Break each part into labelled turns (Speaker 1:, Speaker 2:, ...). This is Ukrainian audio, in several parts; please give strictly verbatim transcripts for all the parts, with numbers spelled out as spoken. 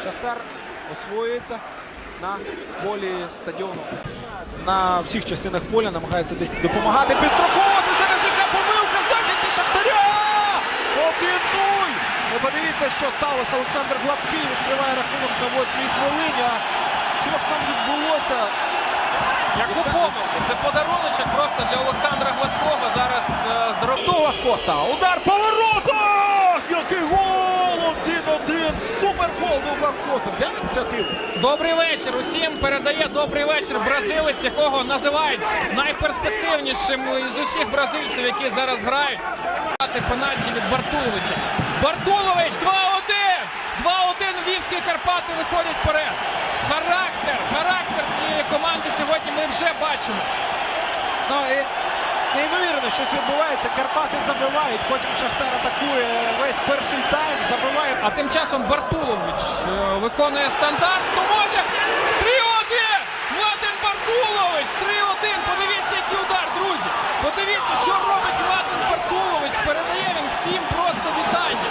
Speaker 1: Шахтар освоюється на полі стадіону. На всіх частинах поля намагається десь допомагати. Підстраховувати. Зараз яка помилка в захисті Шахтаря! один-нуль! Ви подивіться, що сталося. Олександр Гладкий відкриває рахунок на восьмій хвилині. А що ж там відбулося?
Speaker 2: Яку помилку? Це подаруночок просто для Олександра Гладкого. Зараз е, зробив.
Speaker 1: Дуглас Коста. Удар по воротах! Який гол! один-один! Супергол Дуглас Коста. Взяв ініціативу.
Speaker 2: Добрий вечір усім. Передає добрий вечір бразилець, якого називають найперспективнішим із усіх бразильців, які зараз грають. Пенальті від Бартуловича. Бартулович два-один! два-один. Львівські Карпати виходять вперед. Характер, характер цієї команди сьогодні ми вже бачимо.
Speaker 1: Ну і неймовірно, щось відбувається. Карпати забивають, потім Шахтар атакує весь перший тайм, забиває.
Speaker 2: А тим часом Бартулович е, виконує стандарт. Ну може! три-один! Младен Бартулович! три-один! Подивіться, який удар, друзі! Подивіться, що робить Младен Бартулович! Передає він всім просто вітання.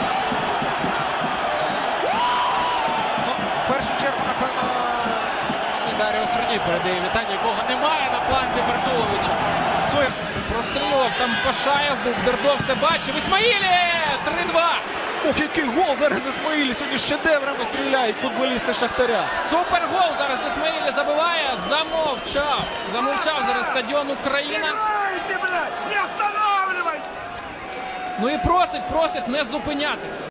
Speaker 1: Ну, в першу чергу, напевно, Даріо Срні передає вітання, якого немає на фланзі Бартуловича. Своє...
Speaker 2: Прострілював там Пашаєв, був Дердо, все бачив. Ісмаїлі! три-два!
Speaker 1: Ох, який гол зараз Ісмаїлі. Сьогодні шедеврами стріляють футболісти Шахтаря.
Speaker 2: Супергол зараз Ісмаїлі забиває. Замовчав. Замовчав зараз стадіон Україна. Ну і просить, просить не зупинятися.